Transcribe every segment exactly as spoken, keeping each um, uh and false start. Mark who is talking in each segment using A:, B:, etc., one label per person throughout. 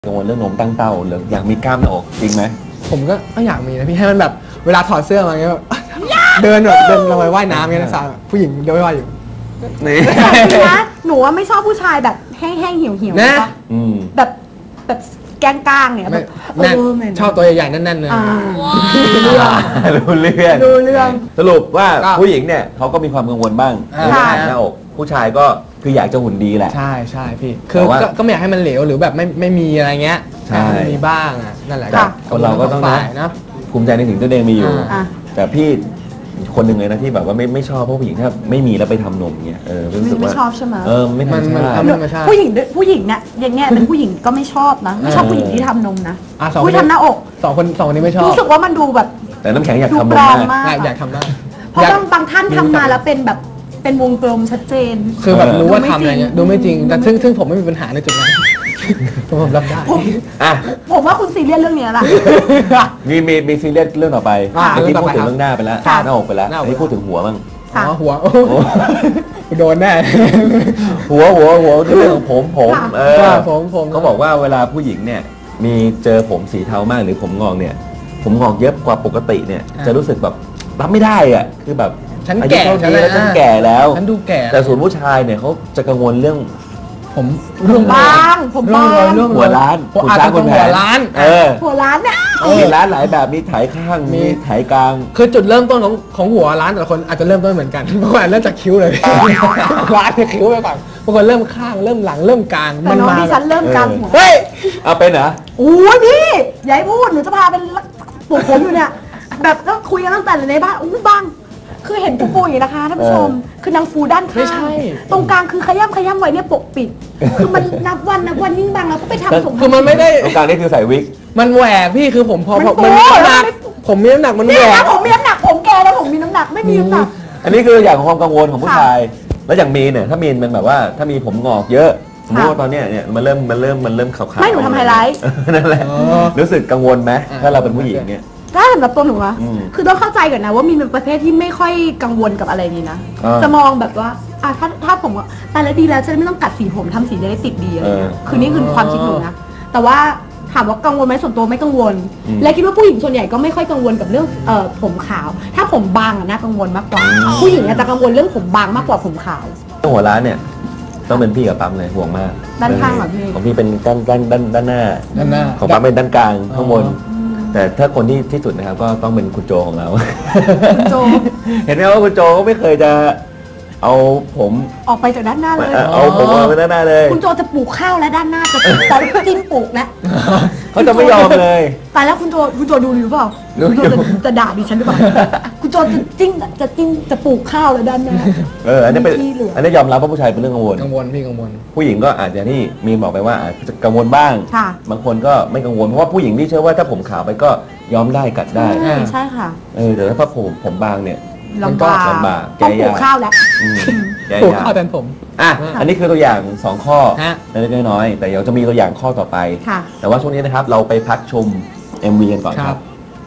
A: กังวลเรื่องนมตั้งเต้าหรืออยากมีกล้ามหน้าอกจริงไหม
B: ผมก็ก็อยากมีนะพี่ให้มันแบบเวลาถอดเสื้อมาเงี้ยเดินแบบเดินลงไปว่ายน้ำเงี้ยนะสาวผู้หญิงเดินว่ายอยู่
A: นี่
C: นะหนูว่าไม่ชอบผู้ชายแบบแห้งๆเหี่ยวๆ
B: นะ
C: แบบแบบแกงกลางเนี่ยแบบ
B: ชอบตัวใหญ่ๆแน่นๆเลย
A: รู้เรื่องรู้เรื่อง
C: รู้เรื่อง
A: สรุปว่าผู้หญิงเนี่ยเขาก็มีความกังวลบ้างเรื่องหน้าอกผู้ชายก็คืออยากจะหุ่นดีแหละ
B: ใช่ใช่พี่คือก็ไม่อยากให้มันเหลวหรือแบบไม่ไม่มีอะไรเงี้ยใช่มีบ้างอ่ะนั่นแหละ
A: คนเราก็ต้องนะภูมิใจในสิ่งที่ตัวเองมีอยู่แต่พี่คนหนึ่งเลยนะที่แบบว่าไม่ไม่ชอบเพราะผู้หญิงถ้าไม่มีแล้วไปทำนมเงี้ยเออรู้สึกว่า
C: ไม่ชอบใช่ไหม
A: เออไม่ธรรมชาติ
C: ผู้หญิงผู้หญิงเนี่ยอย่างเงี้ยเป็นผู้หญิงก็ไม่ชอบนะไม่ชอบผู้หญิงที่ทำนมนะผู้ทำหน้าอก
B: สองคนสองคนนี้ไม่ชอบ
C: รู้สึกว่ามันดูแบบ
A: แต่น้ำแข็งอยากทำนม
C: มาก
B: อยากทำมาก
C: เพราะบางบางท่านทำมาแล้วเป็นแบบเป็นวงกลมชัดเจน
B: คือแบบรู้ว่าทำอะไรเงี้ยดูไม่จริงแต่ซึ่งซึ่งผมไม่มีปัญหาในจุดนั้นผมรับได้
C: ผมว่าคุณซีเรียสเรื่องนี้แหละ
A: มีมีมีซีเรียสเรื่องต่อไปเมื่อกี้พูดถึงเรื่องหน้าไปแล้วหน้าอกไปแล้วอันนี้พูดถึงหัวบ้าง
B: อ๋อหัวโดนแน่
A: หัวหัวหัวเรื่องของผมผมเออ
B: ผมผม
A: เขาบอกว่าเวลาผู้หญิงเนี่ยมีเจอผมสีเทามากหรือผมงอกเนี่ยผมงอกเยอะกว่าปกติเนี่ยจะรู้สึกแบบรับไม่ได้อ่ะคือแบบ
B: ฉันแก่
A: แล้วฉันแก่แล้ว
B: ฉันดูแก่
A: แต่ส่วนผู้ชายเนี่ยเขาจะกังวลเรื่อง
B: ผม
C: ผมบางผมบาง
A: หัวล้าน
B: หัวล้านหัวล้าน
A: เออ
C: หัวล้านเนี่ย
A: มีล้านหลายแบบมีไถข้างมีไถกลาง
B: คือจุดเริ่มต้นของของหัวล้านแต่ละคนอาจจะเริ่มต้นเหมือนกันบางคนเริ่มจากคิ้วเลยล้านจากคิ้วไปก่อนบางคนเริ่มข้างเริ่มหลังเริ่มกลาง
C: มันมาดิฉันเริ่มกลางหัว
A: เฮ้ยเอาเป็นเหรอ
C: โอ้ยพี่อย่าให้พูดหนูจะพาเป็นปลูกผมอยู่เนี่ยแบบก็คุยกันตั้งแต่ในบ้านอู้บ้างคือเห็นปูปูอย่างนะคะท่านผู้ชมคือนางฟูด้านข้างตรงกลางคือขย้ำขย้ำไว้เนี่ยปกปิดคือมันนับวันนับวันยิ่งบางแล้วก็ไปทำสง
B: คือมันไม่ได้
A: ตรงกลางนี่คือใส่วิก
B: มันแหวกพี่คือผมพอมันมีน้ำหนักผมมีน้ำหนักมันแหวก
C: ผมมีน้ำหนักผมแกแล้วผมมีน้ำหนักไม่มีน้ำหนัก
A: อันนี้คืออย่างของความกังวลของผู้ชายแล้วอย่างมีเนี่ยถ้ามีมันแบบว่าถ้ามีผมงอกเยอะสมมติว่าตอนเนี้ยเนี่ยมันเริ่มมันเริ่มมันเริ่มขาวๆ
C: ไม่หนูทำไฮไลท์
A: นั่นแหละรู้สึกกังวลไหมถ้าเราเป็นผู้หญิงเนี่ย
C: ถ้าสำหรับตัวหนูอะคือต้องเข้าใจก่อนนะว่ามีเป็นประเภทที่ไม่ค่อยกังวลกับอะไรนี้นะจะมองแบบว่าอ่ะถ้าถ้าผมตายแล้วดีแล้วฉันไม่ต้องกัดสีผมทำสีจะได้ติดดีอะไรเงี้ยคือนี่คือความคิดหนูนะแต่ว่าถามว่ากังวลไหมส่วนตัวไม่กังวลและคิดว่าผู้หญิงส่วนใหญ่ก็ไม่ค่อยกังวลกับเรื่องเอ่อผมขาวถ้าผมบางอะน่ากังวลมากกว่าผู้หญิงจะกังวลเรื่องผมบางมากกว่าผมขาว
A: หัวร้านเนี่ยต้องเป็นพี่กับปั๊มเลยห่วงมาก
C: ด้านข้างเหรอพี่
A: ของพี่เป็นด้านด้านด้านด้านหน้า
B: ด้านหน้า
A: ของปั๊มเป็นด้านกลางข้างบนแต่ถ้าคนที่ที่สุดนะครับก็ต้องเป็นคุณโจของเรา
C: คุณโจ
A: เห็นไหมว่าคุณโจก็ไม่เคยจะเอาผม
C: ออกไปจากด้านหน้าเลย
A: เอาผมออกไปด้านหน้าเลย
C: คุณโจจะปลูกข้าวและด้านหน้าจะตอนจิ้มปลูกนะ
A: เขาจะไม่ยอมเลย
C: แต่แล้วคุณโจคุณโจดูหรือเปล่าคุณโจจะด่าดิฉันหรือเปล่าคุณโจจะจิ้มจะจิ้มจะปลูกข้าวและด้านหน้า
A: เอออันนี้เป็นอันนี้ยอมรับว่าผู้ชายเป็นเรื่องกังวล
B: กังวลพี่กังวล
A: ผู้หญิงก็อาจจะที่มีบอกไปว่าอาจจะกังวลบ้างบางคนก็ไม่กังวลเพราะว่าผู้หญิงที่เชื่อว่าถ้าผมขาวไปก็ย้อมได้กัดได้
C: ใช่ค่ะ
A: เออแต่ถ้าผมผมบางเนี่ย
C: ลำบาก
A: ลำบาก
C: แกปลูกข้าวแล้ว
B: ปลูกข้าวแทนผม
A: อ่ะอันนี้คือตัวอย่างสองข้อเล็กน้อยแต่เดี๋ยวจะมีตัวอย่างข้อต่อไปแต่ว่าช่วงนี้นะครับเราไปพักชม เอ็ม วี กันก่อนครับ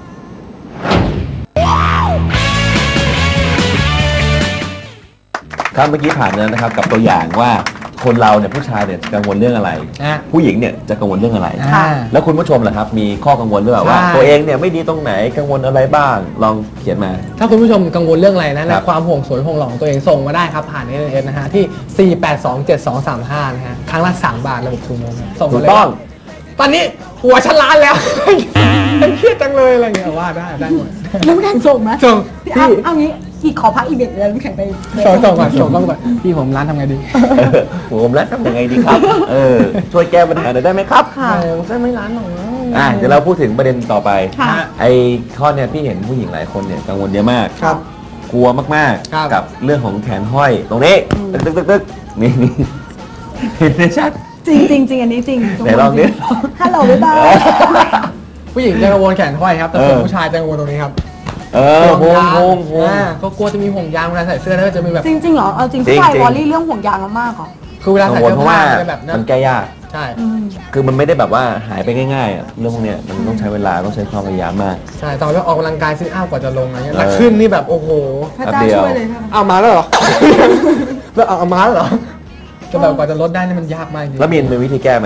A: ครับเมื่อกี้ผ่านแล้วนะครับกับตัวอย่างว่าคนเราเนี่ยผู้ชายเนี่ยกังวลเรื่องอะไรผู้หญิงเนี่ยจะกังวลเรื่องอะไรแล้วคุณผู้ชมล่ะครับมีข้อกังวลหรือเปล่าว่าตัวเองเนี่ยไม่ดีตรงไหนกังวลอะไรบ้างลองเขียนมา
B: ถ้าคุณผู้ชมกังวลเรื่องอะไรนะในความห่วงสวยห่วงหล่อของตัวเองส่งมาได้ครับผ่าน เอส เอ็ม เอส นะฮะที่สี่ แปด สอง เจ็ด สอง สาม ห้านะฮะครั้งละสามบาทระบบทูโมงส่งมาเลยต้องตอนนี้หัวฉันล้านแล้วฉันเครียดจังเลยอะไรเงี้ยว่าได้ได้หมด
C: น้ำแข็งส่งไหม
B: ส่ง
C: พี่เอางี้อีกขอพักอีกเด็กแล้วน้ำแข็งไป
B: ส่งส่งก่อนส่งต้องก่อนพี่ผมร้านทำไงดี
A: ผมร้านทำยังไงดีครับเออช่วยแก้ปัญหาหน่อยได้ไหมครับ
B: ค่ะก็ไม่ร้านหรอก
A: อ่ะเดี๋ยวเราพูดถึงประเด็นต่อไปไอ้ข้อเนี่ยพี่เห็นผู้หญิงหลายคนเนี่ยกังวลเยอะมากกลัวมากๆกับเรื่องของแขนห้อยตรงนี้ตึ๊กตึ๊กตึ๊กตึ๊กนี่เห็นได้ชัด
C: จริงจริงจริงอันนี้จริง
A: ไหนลองดิ
C: ฮัลโหลบ๊ายบาย
B: ผู้หญิงจะกังวลแขนห้อยครับแต่ส่วนผู้ชายจะกังวลตรงนี้ครับ
A: เออห่วงห่วงห่วง
B: ก็กลัวจะมีห่วงยางเวลาใส่เสื้อแล้วจะมีแบบ
C: จริงจริงเหรอเอาจริงผู้ชายวอลลี่เรื่องห่วงยางมากเหรอ
B: คือเวลาใส่เสื้อผ้าแบบ
A: มันแก้ยาก
B: ใช่
A: คือมันไม่ได้แบบว่าหายไปง่ายๆอ่ะเรื่องพวกเนี้ยมันต้องใช้เวลาต้องใช้ความพยายามมาก
B: ใช่ตอนเราออกกำลังกายซิทอัพกว่าจะลงอะไรเงี้ยแต่ขึ้นนี่แบบโอ้โห
C: พระเจ้าช่วยเลยค่ะ
B: เอามาแล้วเหรอแล้วเอามาแล้วเหรอจะแบบกว่าจะลดได้นี่มันยากมากจริง
A: แล้วมีมีวิธีแก้ไหม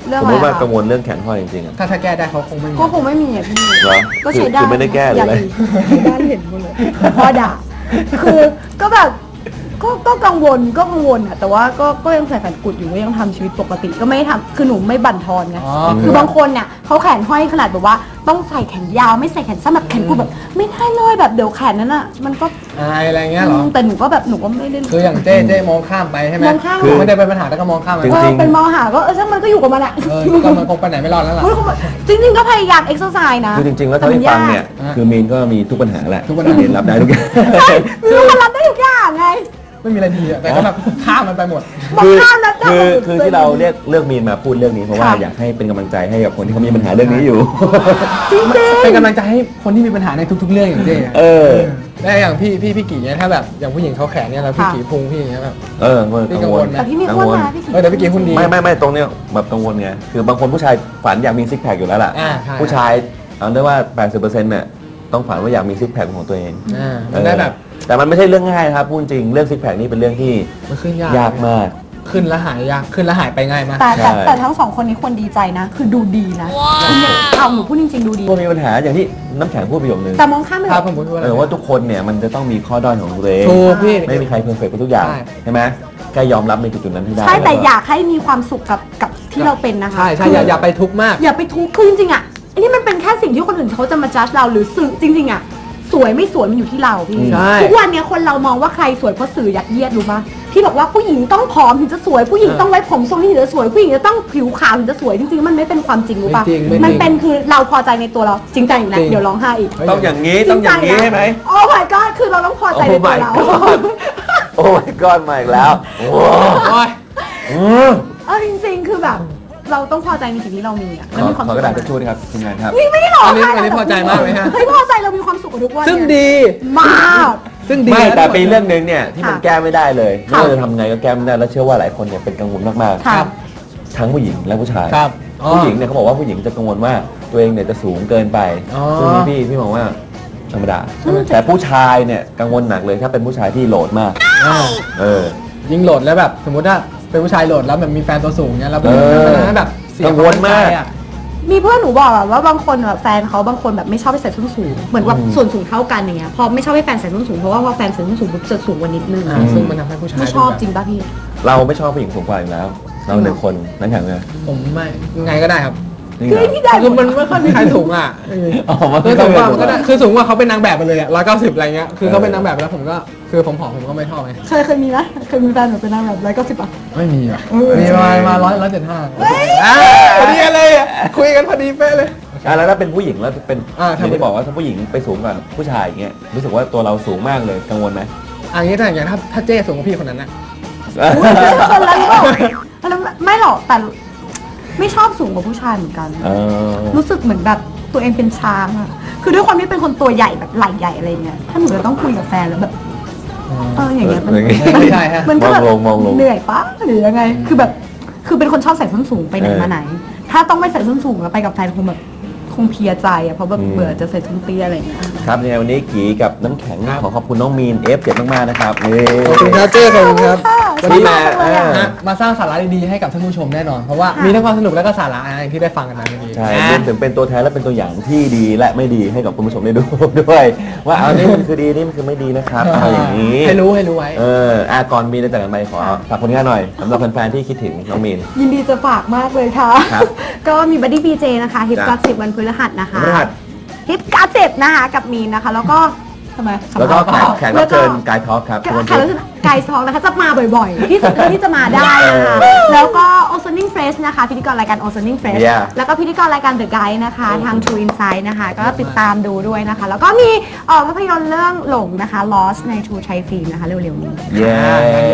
C: เรื่อง
A: สม
C: อะไร
A: มติว่า
C: คะ
A: กังวลเรื่องแขนห้อยจริงๆอะ
B: ถ้าถ้าแก้ได้เขาคงไม่มี
C: ก็คงไม่มีอ่ะพี่
A: เหรอ
C: ก็
A: คือ
C: ใช้ได้
A: คือไม่ได้แก้หรืออะไร
C: ด้านเห็นหมดเลยพ่อด่าคือก็แบบก็ก็กังวลก็กังวลอ่ะแต่ว่าก็ก็ยังใส่แผ่นกุดอยู่ก็ยังทำชีวิตปกติก็ไม่ทำคือหนูไม่บั่นทอนไง
B: อ๋อ
C: คือบางคนเนี่ยเขาแขนห้อยขนาดแบบว่าต้องใส่แขนยาวไม่ใส่แขนสั้นแบบแขนกุดแบบไม่ได้เลยแบบเดี๋ยวแขนนั้นอ่ะมันก็
B: อายอะไรเงี้ยเหรอ
C: แต่หนูก็แบบหนูก็ไม่ได้
B: คืออย่างเจ๊เจ๊มองข้ามไปใช่ไหม
C: มองข้าม
B: คือไม่ได้เป็นปัญหาแล้วก็มองข้ามไป
A: จริง
C: เออเป็นมอหาก็เออช่างมันก็อยู่กับมันอ่ะ
B: เออก็มันคงไปไหนไม่รอดแล้วล่ะ
C: จริงๆก็พยายามเอ็กซ์ไซส์นะ
A: คือจริงๆแล้วเท่าที่ฟังเนี่ย
B: อ่ะ
A: คือมีนก็มีทุกปัญหาแหละ
B: ทุกปัญหา
A: มีนรับได้ทุกอย่าง
C: ใช่มีคนรับได้ทุกอย่างไง
B: ไม่มีอะไรดีอะแต่ก็แบบข้ามมันไปหมด
C: บอก
A: คือ
C: ข้ามนะ
A: คือคือที่เราเรียกเลือกมีนมาพูดเรื่องนี้เพราะว่า
C: ค่ะ
A: อยากให้เป็นกำลังใจให้กับคนที่เขามีปัญหาเรื่องนี้อยู่
C: จริง
B: เป็นกำลังใจให้คนที่มีปัญหาในทุก ๆ เรื่องอย่างเจ๊อะ
A: เออ
B: แล้วอย่างพี่พี่พี่กี่เนี่ยถ้าแบบอย่างผู้หญิงเขาแขนเนี่ยแล้วพี่กี่พุงพี่อย่างเงี้ยแบบ
A: เออมัน
B: พี่
A: กั
B: กั
A: ง
B: ง
A: ว
B: ว
A: ล
B: ลไหม
C: แต่พี่มีอ้วนนะพี่
B: เออแต่พี่กี่หุ่นดี
A: ไม่ไม่ไม่ตรงเนี้ยแบบกังวลไงคือบางคนผู้ชายฝันอยากมีซิกแพคอยู่แล้วล่ะ
B: อ่าใช่
A: ผู้ชายเอาได้ว่า แปดสิบเปอร์เซ็นต์ เนี่ยต้องฝันว่าอยากมีซิกแพคของตัวเอง
B: อ่ามันได้แบบ
A: เออแต่มันไม่ใช่เรื่องง่ายนะครับพูดจริงเรื่องซิกแพคนี่เป็นเรื่องที่
B: มันขึ้นยาก
A: ยากมาก
B: ขึ้นแล้วหายยากขึ้นแล้วหายไปง่ายมาก
C: แต่แต่
A: ใช่
C: แต่ทั้งสองคนนี้ควรดีใจนะ คือดูดีนะเอาหนูพูดจริงๆดูดี
A: พวกมีปัญหาอย่างที่น้ำแข็งพูดประโยคนึง
C: แต่มองข้ามไป
B: ครับผมพูดว่าอะไร
A: เออว่าทุกคนเนี่ยมันจะต้องมีข้อด้อยของตัวเอง
B: ถูกพี่
A: ไม่มีใครเพอร์เฟกต์ทุกอย่าง
B: ใช่
A: ใช่ไหมแค่ยอมรับในจุดๆนั้นให้ได้
C: ใช่แต่
A: ล้วก็
C: อยากให้มีความสุขกับกับที่เราเป็นนะคะ
B: ใช่ใช่อย่าอย่าไปทุกข์มาก
C: อย่าไปทุกข์คือจริงๆอ่ะอันนี้มันเป็นแค่สิ่งที่คนอื่นเขาจะมาจัดเราหรือสื่อจริงๆอ่ะสวยไม่สวยมันอยู่ที่เราพี่
B: ใช่
C: ทุกวันเนี้ยคนเรามองว่าใครสวยเพราะสื่อยัดเยียดรู้ปะที่บอกว่าผู้หญิงต้องผอมถึงจะสวยผู้หญิงต้องไว้ผมทรงนี้ถึงจะสวยผู้หญิงจะต้องผิวขาวถึงจะสวยจริงๆมันไม่เป็นความจริงรู้ปะ
B: ไม่จริงไม่จริง
C: มันเป็นคือเราพอใจในตัวเราจริงใจอีกแล้ว
B: จริง
C: เดี๋ยวร้องไห้อีก
A: ต้องอย่างนี้ต้องอย่างนี้ใช่ไหม
C: โอ้ my god คือเราต้องพอใจในตัวเรา
A: Oh my god โอ้ my god มาอีกแล้วโอ้
B: โอ้ย
A: อืม
C: เออจริงๆ คือแบบเราต้องพอใจในสิ่งที่เรามีอ่ะ
A: ข
C: แล้ว
A: อ
C: มีความ
A: ขอ
C: สุข
A: กระดาษทิชชู่ด้วยครับทีมงานครับ
C: นี่ไม่ได้หรอก
B: อันนี้อันนี้พอใจมากไหมฮะ
C: เฮ้ยพอใจเรามีความสุขกับทุกวัน
B: ซึ่ง
C: เนี่ย
B: ดี
C: มาก
B: ซึ่งดี
A: ไม่
B: นะ
A: แต่เป็นเรื่องหนึ่งเนี่ยที่มัน
C: ค่ะ
A: แก้ไม่ได้เลยไม่
C: ค่ะ
A: ว่าจะทำไงก็แก้ไม่ได้แล้วเชื่อว่าหลายคนเนี่ยเป็นกังวลมาก
C: ค่ะ
A: ๆทั้งผู้หญิงและผู้ชาย
B: ครับอ๋อ
A: ผู้หญิงเนี่ยเขาบอกว่าผู้หญิงจะกังวลว่าตัวเองเนี่ยจะสูงเกินไป
B: อ๋อ
A: ซึ่งพี่พี่มองว่าธรรมดา แต่ผู้ชายเนี่ยกังวลหนักเลยถ้าเป็นผู้ชายที่โหลดมาก
B: อ่า
A: เออ
B: ยิงโหลดแล้วแบบสมมติว่าเป็นผู้ชายโหลดแล้วแบบมีแฟนตัวสูงเนี้ยแล้วเป็น
A: เออ
B: มันทำให้แบบเสีย
A: กังวลมาก
B: ควมั่นใจอะ
C: มีเพื่อนหนูบอกอะว่าบางคนแบบแฟนเขาบางคนแบบไม่ชอบให้ใส่ส้นสูง เหมือนว่า
A: อืม
C: ส่วนสูงเท่ากันอย่างเงี้ย พอไม่ชอบให้แฟนใส่ส้นสูงเพราะว่าพอแฟนใส่ส้นสูงปุ๊บจะสูงกว่านิดนึง
B: อ่าซึ่งมันทำให้ผู้ชาย
C: ไม่ชอบ
B: ดูแบบ
C: จริงป่ะพี่
A: เราไม่ชอบผู้หญิงสูงกว่าอยู่แล้ว เราหนึ่งคนนั่นแข็งเลย
B: ผมไม่ยังไงก็ได้ครับ
A: นี่
C: คือ
A: เหรอ
C: พี่ได้
B: คือมันไม่ค่อยมีใครสูงอ่ะ
A: อ๋อมัน
B: คือสูงกว่า
A: ไม่
B: มัน
A: ค่
B: ก็
A: อย
B: ได้
A: สูง
B: คือสูงกว่าเขาเป็นนางแบบไปเลยอ่ะร้อยเก้าสิบอะไรเงี้ยคือเขาเป็นนางแบบแล้วผมก็คือผมผอมผมก็ไม่ชอบไง
C: เคยเคยมีไหมเคยมีแฟนแบบเป็นนางแบบร้อยเก้าสิบอ่ะ
B: ไม่มีอ่ะ
C: เออ
B: มีประมาณมาร้อยร้อยเจ็ดห้าพอดีเลยอ่ะคุยกันพอดีเป๊ะเลย
A: อ่ะแล้วถ้าเป็นผู้หญิงแล้วเป็น
B: อ่า
A: อย่างที่บอกว่าถ้าผู้หญิงไปสูงกว่าผู้ชายอย่างเงี้ยรู้สึกว่าตัวเราสูงมากเลยกังวลไหม
B: อันนี้ถ้าอย่างถ้าถ้าเจ้สูงกว่าพี่คนนั้นนะ
C: คนละโลกแล้วไม่หรอกแต่ไม่ชอบสูงกว่าผู้ชายเหมือนกัน
A: เออ
C: รู้สึกเหมือนแบบตัวเองเป็นช้างอะคือด้วยความที่เป็นคนตัวใหญ่แบบไหล่ใหญ่อะไรเงี้ย ถ้าหนูจะต้องคุยกับแฟนแล้วแบบ เอออย่างเงี้ยมัน
A: อย่างงี้
B: ไม่ใช่ฮะ
C: มันก็แบบ
A: มองลงมองลง
C: เหนื่อยปะหรือยังไง คือแบบ คือเป็นคนชอบใส่ส้นสูงไปไหน
A: เออ
C: มาไหน ถ้าต้องไม่ใส่ส้นสูงแล้วไปกับแฟนคงแบบคงเพลียใจอะเพราะแบบ
A: อืม
C: เบื่อจะใส่ส้นเตี้ยอะไรเงี้ย
A: ครับในวันนี้กีกับน้ำแข็งขอขอบคุณน้องมีน เอฟ เจ็ด มากๆนะครับนี่
B: ขอบคุณครับเจ้ขอบคุณครับ
C: วัน
A: ที่
C: นี้
A: มา
C: มาเลยอะ
A: เออ
B: นะมาสร้างสาระดีๆให้กับท่านผู้ชมแน่นอน เพราะว่า
C: ค่ะ
B: มีทั้งความสนุกและก็สาระนะอย่างที่ได้ฟังกันมาเมื่อกี้
A: ใช่
B: นะ
A: รวมถึงเป็นตัวแทนและเป็นตัวอย่างที่ดีและไม่ดีให้กับคุณผู้ชมได้ดู ด้วย ว่าเอานี่มันคือดีนี่มันคือไม่ดีนะครับเอาอย่างนี้
B: ให้รู้ให้รู้ไว้
A: เอออ่ะก่อนมีนจากกันไปขอฝากผลงานหน่อยสำหรับแฟนๆที่คิดถึงน้องมีน
C: ยินดีจะฝากมากเลยค่ะ
A: ครับ
C: ก็มีบัดดี้บีเจนะคะฮิป
A: จ้ะ
C: การ์สิบวันพฤหัสนะคะ
A: พฤหัส
C: ฮิปการ์สิบนะคะกับมีนนะคะ แล้วก็ทำไม
A: แล้วก็แขกแขกรับเชิญ
C: แล้ว
A: กายทอล์คครับ
C: ก็
A: ทุกวัน
C: แข
A: พุ
C: ก
A: ธ
C: รับเชิญกายทองนะคะจะมาบ่อยๆ ที่สุดเท่าที่จะมาได้นะคะ
A: เออ
C: แล้วก็ Ozoning Fresh นะคะพิธีกรรายการ Ozoning Fresh
A: Yeah
C: แล้วก็พิธีกรรายการ The Guide นะคะทาง True Insight นะคะ ก็ติดตามดูด้วยนะคะ แล้วก็มีเอ่อภาพยนตร์เรื่องหลงนะคะ Lost ใน True Thai Film นะคะเร็วๆนี้
A: เย้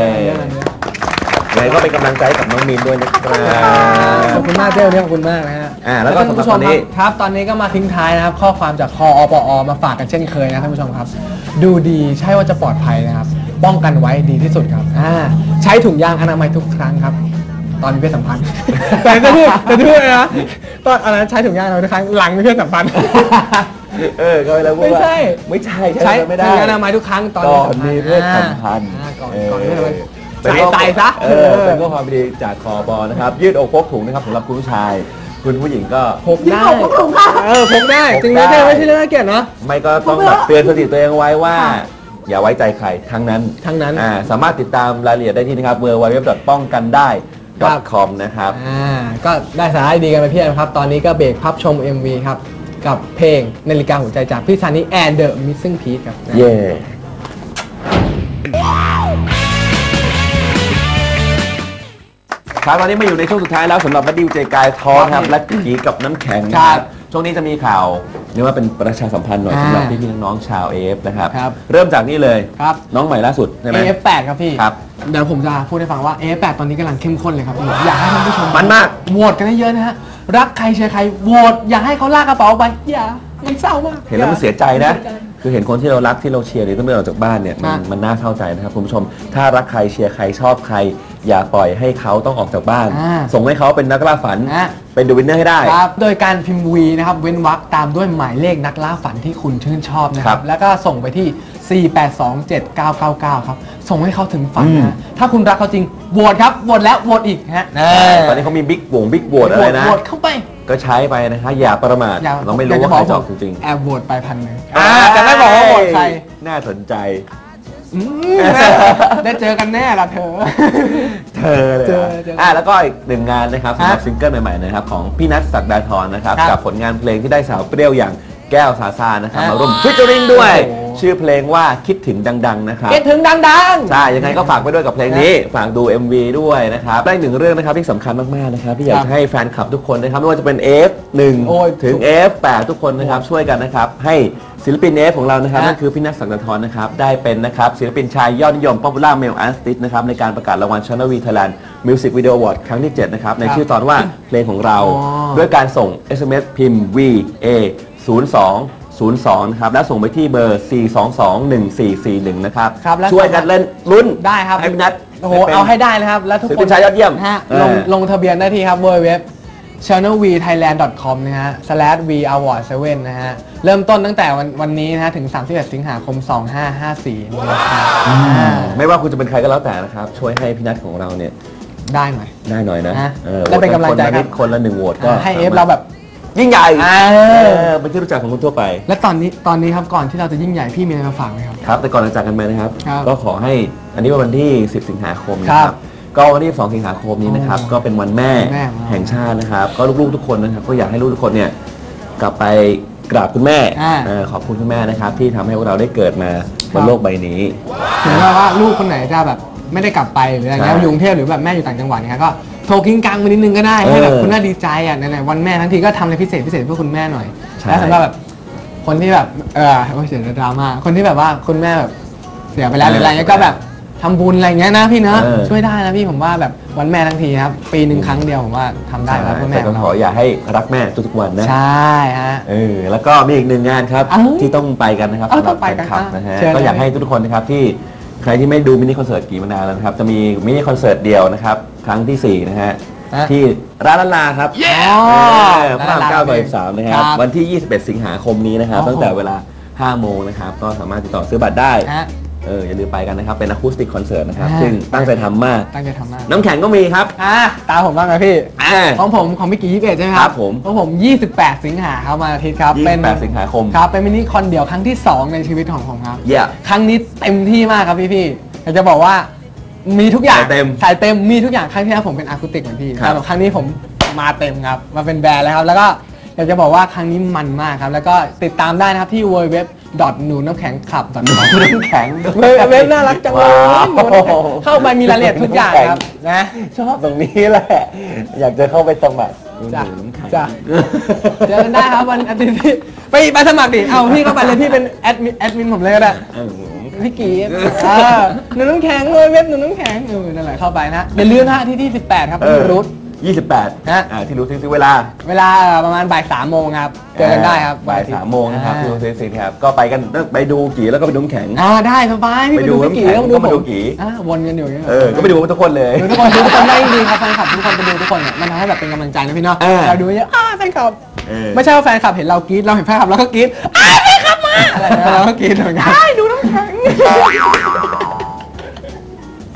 A: ยังไงก็เป็นกำลังใจกับน้องมีนด้วยนะครับ
B: ขอบคุณมากเจ้าเนี่ยขอบคุณมากนะฮะ
A: อ่าแล้วก็
B: ท่านผู้ชม
A: สำหรับวันนี้
B: ครับครับ ตอนนี้ก็มาทิ้งท้ายนะครับ ข้อความจากคออปอมาฝากกันเช่นเคยนะท่านผู้ชมครับ ดูดีใช่ว่าจะปลอดภัยนะครับ ป้องกันไว้ดีที่สุดครับอ่าใช้ถุงยางอนามัยทุกครั้งครับ ตอนมีเพศสัมพันธ์ แต่จะพูดแต่จะพูดเลยนะตอนอันนั้นใช้ถุงยางอนามัยทุกครั้งหลังมีเพศสัมพันธ์
A: เออก็ไปแล้วพูด
B: ไม่
A: ว่า
B: ใช่
A: ไม่ใช่
B: ใช้
A: ใช้ไม่ได้
B: ถุงยางอนามัยทุกครั้งตอน
A: ก่อนมีเพศสัมพันธ์
B: อ่าก่อน
A: เออ
B: ก่อนมีเพศสัมพันธ์ใส่ใส่ซะ
A: เออเป็นข้อความดีจากคอบอนะครับยืดอกพกถุงนะครับสำหรับคุณผู้ชายคุณผู้หญิงก็
B: พกได้
C: พกถุงค่ะ
B: เออพกได้จริงไม่ใช่ไม่ใช่เรื่องน่าเกลียดเนาะ
A: ไม่ก็ต้องแบบเตือนสติตัวเองไว้ว่า อย่าไว้ใจใครทั้งนั้น
B: ทั้งนั้น
A: อ่าสามารถติดตามรายละเอียดได้ที่นะครับ ดับเบิลยู ดับเบิลยู ดับเบิลยู ดอท ป้องกันได้ คอม นะครับ
B: อ่าก็ได้สาระดีกันไปเพียบครับตอนนี้ก็เบรกพับชม เอ็ม วี ครับกับเพลงนาฬิกาหัวใจจากพี่ซันนี่แอนเดอะมิสซิ่งพีซครับ
A: เย่ครับตอนนี้มาอยู่ในช่วงสุดท้ายแล้วสำหรับบัดดี้เจกายทอครับและผีกับน้ำแข็งนะครับช่วงนี้จะมีข่าวเรียกว่าเป็นประชาสัมพันธ์หน่อยสำหรับพี่ๆน้องๆชาว เอ เอฟ นะครับเริ่มจากนี่เลย
B: ครับ
A: น้องใหม่ล่าสุดใช่ไหม
B: เอ เอฟ แปด ครับพี่
A: ครับ
B: เดี๋ยวผมจะพูดให้ฟังว่า เอ เอฟ แปด ตอนนี้กำลังเข้มข้นเลยครับพี่อยากให้ท่านผู้ชม
A: มันมาก
B: โหวตกันเยอะๆนะฮะรักใครเชียร์ใครโหวตอยากให้เขาลากกระเป๋าไปอย่ามันเศร้ามาก
A: เห็นแล้วมันเสียใจนะ
B: เสียใจ
A: คือเห็นคนที่เรารักที่เราเชียร์หรือต้องเดินออกจากบ้านเนี่ยมัน
B: อ่ะ
A: มันน่าเศร้าใจนะครับคุณผู้ชม ถ้ารักใครเชียร์ใครชอบใคร อย่าปล่อยให้เขาต้องออกจากบ้าน
B: อ่า
A: ส่งให้เขาเป็นนักล่าฝัน
B: อ่ะ
A: เป็นเดอะวินเนอร์ให้ได้
B: ครับโดยการพิมพ์วีนะครับเว้นวรรคตามด้วยหมายเลขนักล่าฝันที่คุณชื่นชอบนะค
A: ครั
B: รับบ แล้วก็ส่งไปที่ สี่ แปด สอง เจ็ด เก้า เก้า เก้า ครับส่งให้เขาถึงฝัน
A: อืม
B: นะถ้าคุณรักเขาจริงโหวตครับโหวตแล้วโหวตอีกฮะ
A: ตอนนี้เขามีบิ๊กวงบิ๊กโหวตอะไรนะ
B: โหวตเข้าไป
A: ก็ใช้ไปนะคะอย่าประมาท
B: อย่
A: เราไม่รู้
B: อยก
A: ว่า
B: จะ
A: ใคร
B: บ
A: จะ
B: อ
A: อก อกจริง
B: แอบโหวตไปพันหนึ่ง
A: ๆ
B: อ่าจะไม่บอกว่าโหวตใคร
A: น่าสนใจ
B: อืมได้เจอกันแน่ละเธอ
A: เธอเลย
B: เจอ
A: อ่ะ
B: เจอ
A: อ่ะแล้วก็อีกหนึ่งงานนะครับสำหรับ
B: ฮะ
A: ซิงเกิลใหม่ๆนะครับของพี่นัทศักดาธรนะครับ
B: ครับ
A: กับผลงานเพลงที่ได้สาวเปรี้ยวอย่างแก้วซาซานะครับ
B: ฮะ
A: มาร่วมฟิชเจอริงด้วย
B: โอ้โห
A: ชื่อเพลงว่าคิดถึงดังๆนะครับ
B: เก็ตถึงดังๆ
A: ใช่ยังไงก็ฝากไปด้วยกับเพลงนี้ ฝากดู เอ็ม วี ด้วยนะครับได้หนึ่งเรื่องนะครับที่สำคัญมากๆนะครับที่อยาก
B: ครับ
A: จะให้แฟนคลับทุกคนนะครับไม่ว่าจะเป็น เอ เอฟ หนึ่ง
B: โอ้ย
A: ถึง เอ เอฟ แปด ทุกคนนะครับช่วยกันนะครับให้ศิลปิน เอ เอฟ ของเรานะครับ
B: ฮะ
A: นั่นคือพี่นัทศักดาธรนะครับได้เป็นนะครับศิลปินชายยอดนิยม Popular Male Artist นะครับในการประกาศรางวัล Channel V Thailand Music Video Award ครั้งที่ เจ็ด นะครับในชื่อตอนว่าเพลงของเรา
B: อ๋อ
A: ด้วยการส่ง เอส เอ็ม เอส พิมพ์ วี เอ ศูนย์ สอง ศูนย์ สอง นะครับและส่งไปที่เบอร์ สี่ สอง สอง หนึ่ง สี่ สี่ หนึ่ง นะครับ
B: ครับและ
A: ช่วยกันเล่นลุ้น
B: ได้ครับ
A: ให้พี่นัท
B: โอ้โหเอาให้ได้เลยครับ แล้วทุก
A: ศิล
B: ค
A: ปิ
B: น
A: นชายยอดเยี่ยม
B: ฮะ
A: เออ
B: ลงลงทะเบียนได้ที่ครับ ดับเบิลยู ดับเบิลยู ดับเบิลยู ดอท ชาแนล วี ไทยแลนด์ ดอท คอม นะฮะ สแลช วี อวอร์ด เซเว่น นะฮะ เริ่มต้นตั้งแต่วันวันนี้นะฮะ ถึง สามสิบเอ็ด สิงหาคม สองห้าห้าสี่ นี้นะครับอ่า
A: ไม่ว่าคุณจะเป็นใครก็แล้วแต่นะครับ ช่วยให้พี่นัทของเราเนี่ย
B: ได้หน่อย
A: ได้หน่อยนะ
B: ฮะ
A: ออ
B: และเป็นกำลังใจ
A: คนละ
B: ครั
A: นิ
B: บ
A: ดคนละหนึ่งโหวตก็
B: อ่าให้เอฟ
A: สมถ
B: เราแบบ
A: ยิ่งใหญ่
B: อ่า
A: เออเป็นที่รู้จักของคนทั่วไป
B: และตอนนี้ตอนนี้ครับก่อนที่เราจะยิ่งใหญ่พี่มีอะไรมาฝากไหมครับ
A: ครับ แต่ก่อนจะจากกันไปนะครับ
B: ครับ
A: ก็ขอให้อันนี้เป็นวันที่ สิบ สิงหาคมนะค
B: ครั
A: รับบ ก็วันที่ สอง สิงหาคมนี้นะครับ
B: อ๋อ
A: ก็เป็นวันแม่
B: แม่
A: แห่งชาตินะครับ ก็ลูกๆทุกคนนะครับก็อยากให้ลูกทุกคนเนี่ยกลับไปกราบคุณแม่
B: อ่า
A: เออขอบคุณคุณแม่นะครับ ที่ทำให้พวกเราได้เกิดมาบนโลกใบนี้
B: ถึงแม้ว่าลูกคนไหนจะแบบไม่ได้กลับไปหรืออะไรเงี้ย
A: ใช่
B: อยู่กรุงเทพหรือแบบแม่อยู่ต่างจังหวัดเนี่ยก็โทรกิ้งกังมานิดนึงก็ได้
A: เออ
B: ให้แบบคุณแม่ดีใจอ่ะไหนๆวันแม่ทั้งทีก็ทำอะไรพิเศษพิเศษเพื่อคุณแม่หน่อย
A: ใช่
B: และสำหรับแบบคนที่แบบเออโอ้ยเสียดราม่าคนที่แบบว่าคุณแม่แบบเสียไปแล้วหรืออะไรเงี้ยก็แบบทำบุญอะไรเงี้ยนะพี่เนอะ
A: เออ
B: ช่วยได้นะพี่ผมว่าแบบวันแม่ทั้งทีครับปีหนึ่งครั้งเดียวผมว่าทำได้แล้วเพื่อแม่
A: แต่
B: ข
A: ก็
B: อง
A: ขอ
B: เรา
A: อย่าให้รักแม่ทุกๆวันนะ
B: ใช่ฮะ
A: เออแล้วก็มีอีกหนึ่งงานครับ
B: เอ้า
A: ที่ต้องไปกันนะครับ
B: เอ้า
A: สำหรับ
B: ต้องไปกัน
A: แฟนคลับ
B: อ่ะ
A: นะฮะ
B: เชิญ
A: ก็อยาก
B: เลย
A: ให้ทุกๆคนนะครับที่ใครที่ไม่ดูมินิคอนเสิร์ตกี่มานานแล้วนะครับจะมีมินิคอนเสิร์ตเดียวนะครับครั้งที่สี่นะฮะ
B: ฮะ
A: ที่ร้านละลาครับ
B: อ๋อ
A: เออพระรามเก้าซอยสามนะค
B: ค
A: รั
B: รั
A: บบ วันที่ ยี่สิบเอ็ด สิงหาคมนี้นะครับ
B: โอ้โห
A: ตั้งแต่เวลาห้าโมงนะครับก็สามารถติดต่อซื้อบัตรได้
B: ฮะ
A: เอออย่าลืมไปกันนะครับเป็นอะคูสติกคอนเสิร์ตนะครับ
B: อ่า
A: ซึ่งตั้งใจทำมาก
B: ตั้งใจทำมาก
A: น้ำแข็งก็มีครับ
B: อ่ะตามผมบ้างนะพี่
A: อ่า
B: ของผมของพี่กี่ยี่สิบเอ็ดใช่ไหมค
A: ครั
B: รับบ
A: ผม
B: ของผมยี่สิบแปดสิงหาครับวันอาทิตย์ครับ
A: ยี่
B: เป็
A: สิ
B: น
A: บแปดสิงหาคม
B: ครับเป็นมินิคอนเดี่ยวครั้งที่สองในชีวิตของผมครับ
A: เยี่ย
B: ครั้งนี้เต็มที่มากครับพี่พี่ๆอยากจะบอกว่ามีทุกอย่าง
A: สายเต็ม
B: สายเต็มมีทุกอย่างครั้งที่แล้วผมเป็นอะคูติกเหมือนพี่
A: ครับ
B: แต่ครั้งนี้ผมมาเต็มครับมาเป็นแบรนด์แล้วครับแล้วก็อยากจะบอกว่าครั้งนี้มันมากครับแล้วก็ติดตามได้นะครับที่ ดับเบิลยู ดับเบิลยู ดับเบิลยู ดอท หนูน้ำแข็งคลับ ดอท คอม
A: น้ำแข็งด้วย
B: เว็บเว็บน่ารักจังเลย
A: ว้าว
B: หนูน้ำแข็งเข้าไปมีรายละเอียดทุกอย่างครับนะ
A: ชอบตรงนี้แหละ อยากจะเข้าไปสมัคร
B: จ้ะ
A: น้ำแข็ง
B: จ้ะ เจอกันได้ครับวันอาทิตย์ที่ไปไปสมัครดิเอาพี่เข้าไปเลยพี่เป็นแอดมินแอดมินผมเลยก็ได้
A: เออ
B: พี่กีอ่าหนูน้ำแข็งเลยเว็บหนูน้ำแข็งเออนั่นแหละเข้าไปนะอย่าลืมนะฮะที่ที่สิบแปดครับ
A: เออ
B: ที่รูท
A: ยี่สิบแปด
B: ฮะ
A: อ่าที่รู้ซื้อเวลา
B: เวลาประมาณบ่ายสามโมงครับเจอกันได้ครับ
A: บ่าย
B: วันอทิต
A: สามโมงนะครับ
B: อ่า
A: ที่รู้ซื้อซื้อครับก็ไปกันไปดูกี่แล้วก็ไปดูน้ำแข็ง
B: อ่าได้สบายพี่
A: ไป
B: ไป
A: ดู
B: ดูพี่กี
A: น้ำแข็ง
B: แล้ว
A: ก็มาดู
B: ผม
A: กี่
B: อ่าวนกันอยู่อย่างเงี้ย
A: เออก็ไปดูทุกคนเลย
B: ดูทุกคนดูทุกคนได้จริงๆครับแฟนคลับทุกคนไปดูทุกคนเนี่ยมันทำให้แบบเป็นกำลังใจนะพี่เนาะ
A: เออ
B: เราดูเยอะอ้าแฟนคลับ
A: เออ
B: ไม่ใช่ว่าแฟนคลับเห็นเรากรี๊ดเราเห็นแฟนคลับเราก็กรี๊ดอ้าแฟนคลับมาอะไรนะเราก็กรี๊ดเหมือนกันดูน้ำแข็ง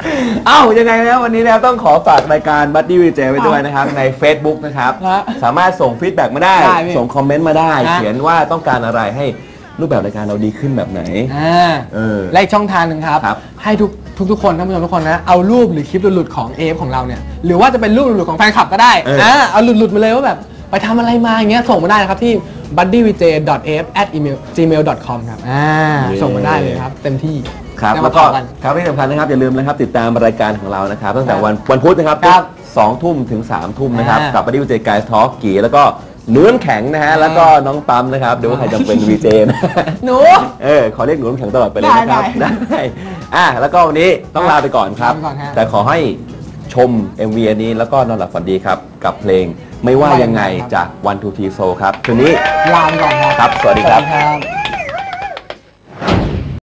A: เอ้ายังไงนะวันนี้นะครับต้องขอฝากรายการ Buddy วี เจ ไว้ด้วยนะครับใน Facebook นะครับ
B: ฮะ
A: สามารถส่งฟีดแบ็กมาได้
B: ได้พี่
A: ส่งคอมเมนต์มาได้
B: ฮะ
A: เขียนว่าต้องการอะไรให้รูปแบบรายการเราดีขึ้นแบบไหน
B: อ่า
A: เออ
B: และอีกช่องทางหนึ่งครับ
A: ครับ
B: ให้ทุกทุกทุกคนท่านผู้ชมทุกคนนะเอารูปหรือคลิปหลุดๆของ เอ เอฟ ของเราเนี่ยหรือว่าจะเป็นรูปหลุดๆของแฟนคลับก็ได้
A: เอออ่
B: อ่าเอาหลุดๆมาเลยว่าแบบไปทำอะไรมาอย่างเงี้ยส่งมาได้นะครับที่ บัดดี้วีเจ ดอท เอ เอฟ แอท จีเมล ดอท คอม ครับอ่าส่งมาได้เลยครับเต็มที่
A: ครับ
B: เดี๋ย
A: แล้ว
B: มา
A: ก็
B: ต่อกัน
A: ครับที่สำคัญนะครับอย่าลืมนะครับติดตามรายการของเรานะครับตั้งแต่
B: ครับ
A: วันวันพุธนะครับ
B: ครับ
A: สองทุ่มถึงสามทุ่มนะครับ
B: อ่ากั
A: กับ Buddy วี เจ Guys Talk กีแล้วก็หนูน้ำแข็งนะฮะแล้วก็น้องปั๊มนะครับเดี๋ยวว่าใครจะเป็น วี เจ นะ
B: หนู
A: เออขอเรียกหนูน้ำแข็งตลอดไปเลยนะครับ
B: ได้
A: ได้อ่ะแล้วก็วันนี้ต้องลาไปก่อนครับ
B: ลาไปก่อนฮะ
A: แต่ขอให้ชม เอ็ม วี อันนี้แล้วก็นอนหลับฝันดีครับกับเพลงไม่ว่ายังไงจาก วัน ทู ที Soul ครับคืนนี้
B: ลาไปก่อนครับ
A: ครับสวัสดีครับ
B: ครับ